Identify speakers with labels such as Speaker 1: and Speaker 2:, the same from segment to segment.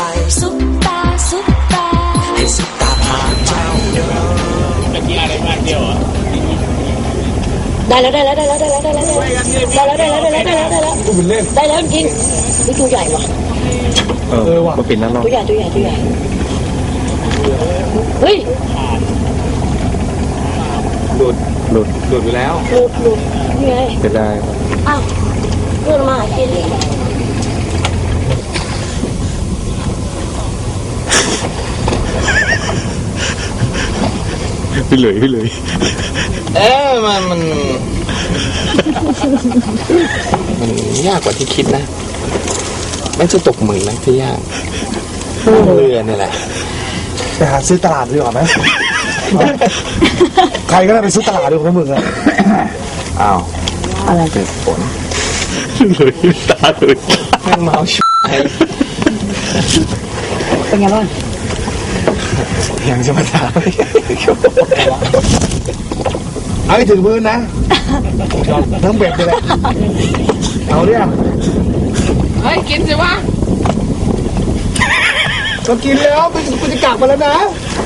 Speaker 1: ซุปตาซุปตาให้ซุปตาพาเจ้าเดินตะกี้อะไรมากเดียวอ่ะได้แล้วได้แล้วได้แล้วได้แล้วได้แล้วได้แล้วได้แล้วได้แล้วได้แล้วได้แล้วได้แล้วจริงนี่ตัวใหญ่ว่ะ
Speaker 2: ว่ะมาปิดนั่นหรอ
Speaker 1: ตัวใหญ่ตัวใหญ่ตัวใหญ่เฮ้ย
Speaker 2: หลุดไปแล้ว
Speaker 1: หลุดนี่ไง
Speaker 2: จะได้
Speaker 1: อ้าวเลื่อนมากิน
Speaker 2: พี่เลยมันยากกว่าที่คิดนะไม่ใช่ตกหมึกนะที่ยากเรือนี่แหละ
Speaker 3: ไปหาซื้อตลาดดีกว่าไหมใครก็ได้ไปซื้อตลาดดีกว่ามึงอะ
Speaker 2: อ้าว
Speaker 1: อะไร
Speaker 2: เกิดฝนเลยตาเลยแม่งเมาชิบ
Speaker 1: เป็นไงบ้าง
Speaker 3: ยังจะมาถามเอาให้ถึงมือนะทั้งเบ็ดเลยเอาเรื่อง
Speaker 1: เฮ้ยกินสิวะ
Speaker 3: ก็กินแล้วกูจะกลับมาแล้วนะ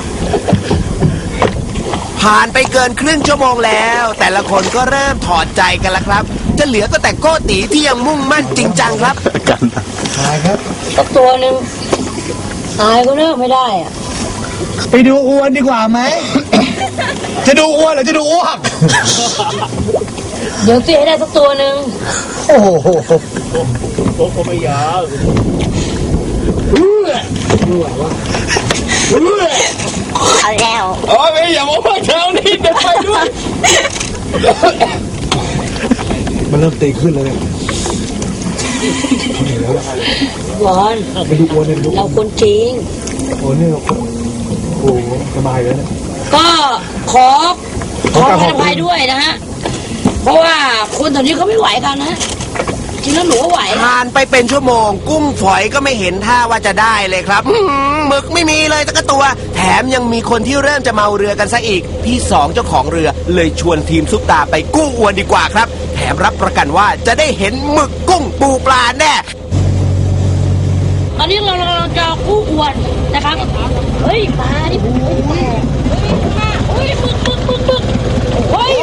Speaker 4: ผ่านไปเกินครึ่งชั่วโมงแล้วแต่ละคนก็เริ่มถอดใจกันแล้วครับจะเหลือก็แต่โก้ตีที่ยังมุ่งมั่นจริงจังครับ
Speaker 2: กัน
Speaker 3: ตายครับ
Speaker 1: สักตัวหนึ่งตายก็เลิกไม่ได้อ่ะ
Speaker 3: ไปดูอ้วนดีกว่าไหม จะดูอ้วนหรือจะดูอ้วก
Speaker 1: เดี๋ยวตีให้ได้สักตัวหนึ่ง
Speaker 3: โอ้โห
Speaker 2: โอ้ไม่ยาว
Speaker 1: เอาแล้ว
Speaker 2: โอ้ยอย่ามาว่าเช้านี้เดี๋ยวไปด้วย
Speaker 3: มันเริ่มตีขึ้นเลย
Speaker 1: บอล
Speaker 3: ไปดูอ้วนเลยดู
Speaker 1: เราคนจริง
Speaker 3: โอ้เนี่ยโอ้สบายเลยนะ
Speaker 1: ก็ขออภัยด้วยนะฮะเพราะว่าคนตอนนี้เขาไม่ไหวกันนะจริงแล้วหนูก็ไหว
Speaker 4: ผ่านไปเป็นชั่วโมงกุ้งฝอยก็ไม่เห็นท่าว่าจะได้เลยครับหมึกไม่มีเลยสักตัวแถมยังมีคนที่เริ่มจะเมาเรือกันซะอีกพี่สองเจ้าของเรือเลยชวนทีมซุปตาไปกู้อวนดีกว่าครับแถมรับประกันว่าจะได้เห็นหมึกกุ้งปูปลาแน่
Speaker 1: ตอนนี้เราจะกู้อวนนะครับเฮ้ยปลาดิเฮ้ยหมึกเฮ้ย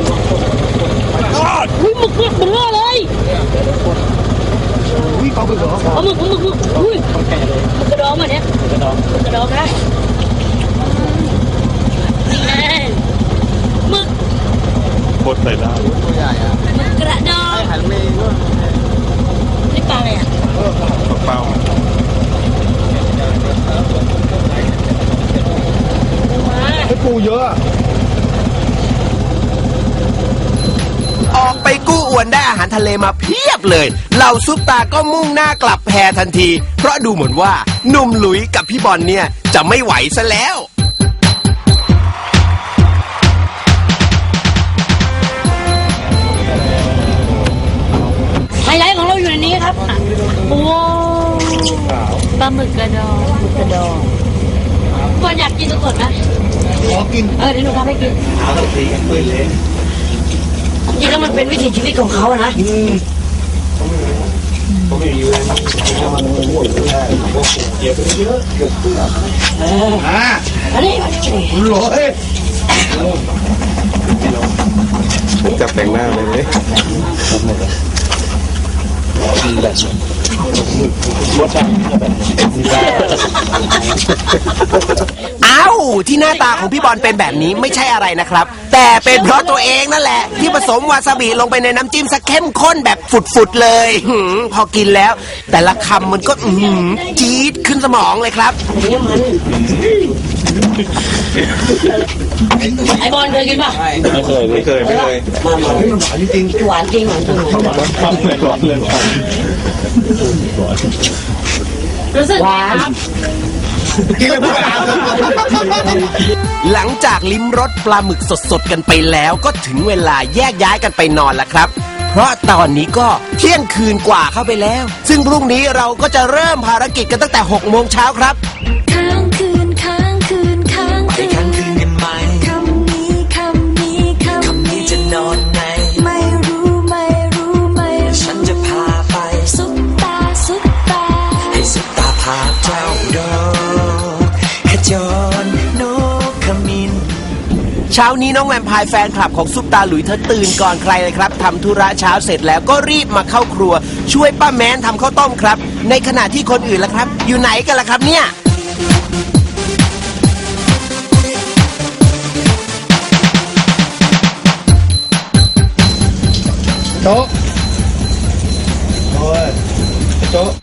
Speaker 1: หมึกเป็นเรื่องเลย
Speaker 3: เอาหมึกเหรอ
Speaker 1: เอาหมึกอุ้ยกระดองมาเนี่ยกระดองนะหมึก
Speaker 2: บดใส่ได้
Speaker 3: ตัวใหญ่อะ
Speaker 1: กระดอง
Speaker 3: หันเมย์ด้วย
Speaker 1: นี่ปลาอะไรอ่ะ
Speaker 2: เปล่า
Speaker 3: ให้ปูเยอะ
Speaker 4: ออกไปกู้อวนได้อาหารทะเลมาเพียบเลยเหล่าซุปตาก็มุ่งหน้ากลับแพทันทีเพราะดูเหมือนว่าหนุ่มหลุยกับพี่บอลเนี่ยจะไม่ไหวซะแล้ว
Speaker 1: ไฮไลท์ของเราอยู่ในนี้ครับโอ้ปลาหมึกกระดองบอลอยากกินสดๆนะ
Speaker 3: ขอกิน
Speaker 1: เดี๋ยวหนูทำให้กิน
Speaker 3: เอาสักทีกันเลย
Speaker 1: จริงแล้วมันเป็นวิถีชีวิตของเขาอะนะอันนี้
Speaker 3: โหลย
Speaker 2: จับแต่งหน้าเลย
Speaker 4: อ้าวที่หน้าตาของพี่บอลเป็นแบบนี้ไม่ใช่อะไรนะครับแต่เป็นเพราะตัวเองนั่นแหละที่ผสมวาซาบิลงไปในน้ำจิ้มซะเข้มข้นแบบฝุดๆเลยพอกินแล้วแต่ละคำมันก็จี๊ดขึ้นสมองเลยครับ
Speaker 1: ไอบอลเคยกินป่ะ
Speaker 2: ไม่เคย
Speaker 3: มันหวานจริง
Speaker 1: หวานจริงรู้สึกหวาน
Speaker 4: หลังจากลิ้มรสปลาหมึกสดๆกันไปแล้วก็ถึงเวลาแยกย้ายกันไปนอนแล้วครับเพราะตอนนี้ก็เที่ยงคืนกว่าเข้าไปแล้วซึ่งพรุ่งนี้เราก็จะเริ่มภารกิจกันตั้งแต่ 6 โมงเช้าครับ
Speaker 1: ค้างคืนไปค้างคืน
Speaker 5: กันไหมคำนี้จะนอนไหน
Speaker 1: ไม่รู้
Speaker 5: ฉันจะพาไป
Speaker 1: ซุปตา
Speaker 5: ให้ซุปตาพาเจ้าจ้าดอกขจรนกขมิ้น
Speaker 4: เช้านี้น้องแวมไพร์แฟนคลับของซุปตาหลุยเธอตื่นก่อนใครเลยครับทำธุระเช้าเสร็จแล้วก็รีบมาเข้าครัว ช่วยป้าแม้นทำข้าวต้มครับ ในขณะที่คนอื่นล่ะครับ อยู่ไหนกันล่ะครับเนี่ย
Speaker 3: โต๊ะโอ้ยโต๊ะ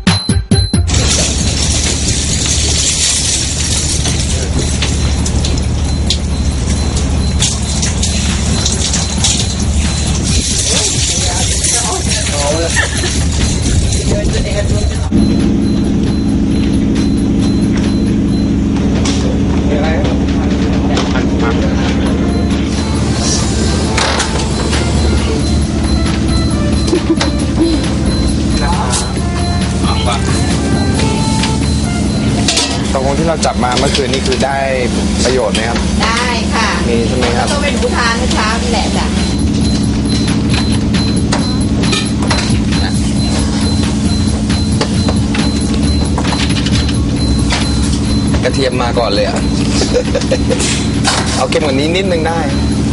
Speaker 3: ตกลงที่เราจับมาเมื่อคืนนี่คือได้ประโยชน์ไหมครับ
Speaker 6: ได้ค่ะ
Speaker 3: มีใช่ไหมครับ
Speaker 6: ก็เป็นผู้ทานเมื่อเช้านี่แหละจ้ะ
Speaker 3: กระเทียมมาก่อนเลยอ่ะ เอาเค็มกว่านี้นิดนึงได้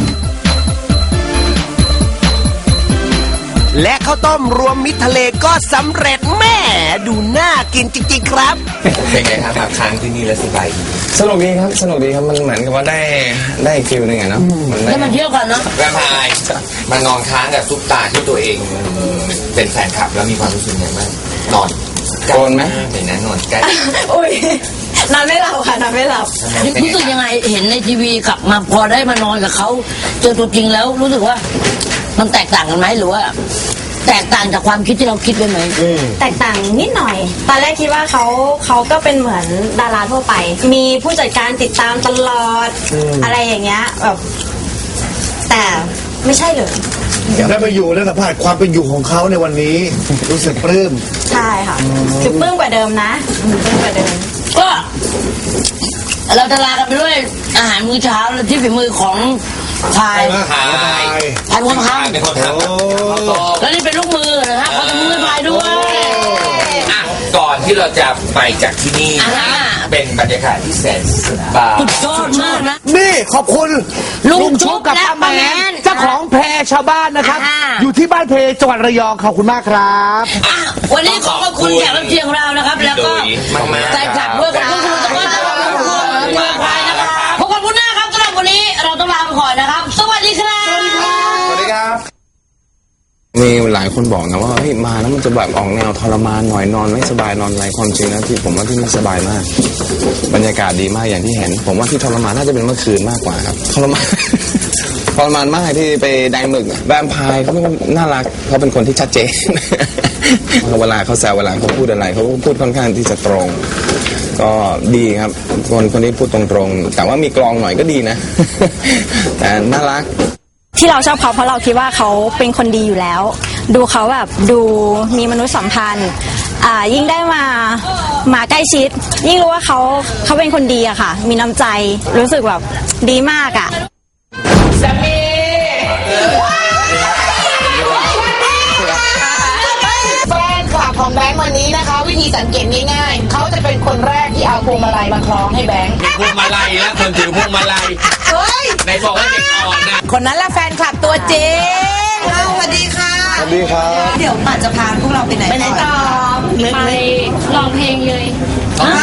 Speaker 4: และข้าวต้มรวมมิตรทะเลก็สำเร็จแม่ดูน่ากินจริงๆครับ
Speaker 2: เป็นไงครับมาค้างที่นี่แล้วสบายสนุกดีครับสนุกดีครับมันเหมือนกับว่าได้อีกฟิลหนึงอะเนาะมันได้
Speaker 1: ได้มาเที่ยวกันเนาะ
Speaker 2: แวมไพร์มานอนค้างกับซุปตาที่ตัวเองเป็นแฟนคลับแล้วมีความรู้สึกยังไงบ้างนอนโกนไหมเห็นนะนอนใกล้
Speaker 6: อุ้ยนอนไม่หลับค่ะนอนไม่หลับ
Speaker 1: รู้สึกยังไงเห็นในทีวีกลับมาพอได้มานอนกับเขาเจอตัวจริงแล้วรู้สึกว่ามันแตกต่างกันไหมหรือว่า แตกต่างจากความคิดที่เราคิดไว้ไหม
Speaker 7: แตกต่างนิดหน่อย ตอนแรกคิดว่าเขาก็เป็นเหมือนดาราทั่วไป มีผู้จัดการติดตามตลอด อะไรอย่างเงี้ยแบบแต่ไม่ใช่เลย
Speaker 3: ได้มาอยู่แล้วสัมผัสความเป็นอยู่ของเขาในวันนี้ รู้สึกปลื้ม
Speaker 7: ใช่ค่ะ คือปลื้มกว่าเดิมนะปลื้มกว่าเดิม
Speaker 1: ก็เราจะลากันไปด้วยอาหารมื้อเช้าและที่ฝีมือของพาย
Speaker 2: พาย
Speaker 1: พายคนท
Speaker 2: เป็นคนทำ
Speaker 3: โอ้
Speaker 1: ำแล้วนี่เป็นลูกมือนะฮะเขาทำมือพายด้วย
Speaker 2: อ่ะก่อนที่เราจะไปจากที่นี่
Speaker 1: อ่า
Speaker 2: เป็นบรรยากาศที่แสนสบาย
Speaker 1: สุดยอดมากนะ
Speaker 4: นี่ขอบคุณ
Speaker 1: ลุงชุบกับป้าแมน
Speaker 4: เจ้าของแพรชาวบ้านนะครับ
Speaker 1: อ่า
Speaker 4: อยู่ที่บ้านเพจังหวัดระยองขอบคุณมากครับ
Speaker 1: อ่ะวันนี้ขอบคุณแขกรับเชิญของเรานะครับ แล้วก็
Speaker 2: มากๆ
Speaker 1: แฟนคลับด้วยขอบคุณคุณตะก้อนขอบคุณเมืองไทยนะครับพบกันพุธหน้าครับสำหรับวันนี้เราต้องลาไปก่อนนะครับ สวัสดีครับ
Speaker 3: สวัสดีครับ
Speaker 2: มีหลายคนบอกนะว่าเฮ้ยมาแล้วมันจะแบบออกแนวทรมานหน่อยนอนไม่สบายนอนอะไรความจริงนะที่ผมว่าที่นี่สบายมาก บรรยากาศดีมากอย่างที่เห็น ผมว่าที่ทรมานน่าจะเป็นเมื่อคืนมากกว่าครับทรมาน ทรมานมากที่ไปแดงหมึกอะแวมไพร์เขาน่ารักเขาเป็นคนที่ชัดเจน เวลาเขาแซวเวลาเขาพูดอะไรเขาก็พูดค่อนข้างที่จะตรง ก็ดีครับคนที่พูดตรงๆแต่ว่ามีกลองหน่อยก็ดีนะ แต่น่ารัก
Speaker 7: ที่เราชอบเขาเพราะเราคิดว่าเขาเป็นคนดีอยู่แล้ว ดูเขาแบบดูมีมนุษยสัมพันธ์ยิ่งได้มาใกล้ชิด ยิ่งรู้ว่าเขาเป็นคนดีอะค่ะ มีน้ำใจรู้สึกแบบดีมากอะ
Speaker 6: แฟนคลับของแบงค์วันนี้นะคะ วิธีสังเกตง่ายๆเขาจะเป็นคนแรกที่เอาพวงมาลัยมาคล้องให้แบงค์
Speaker 2: พวงมาลัยแล้วคนถือพวงมาลัย
Speaker 6: เฮ้ย
Speaker 2: ในบอกว่าเด็กอ่อนนะ
Speaker 6: คนนั้นแหละแฟนคลับตัวจริงสวัสดีค่ะ
Speaker 3: สวัสดีครับ
Speaker 6: เดี๋ยวป่าจะพาพวกเราไปไหน
Speaker 1: ไปไหนต่อ
Speaker 7: ไปลองเพลงเลย
Speaker 6: อ่า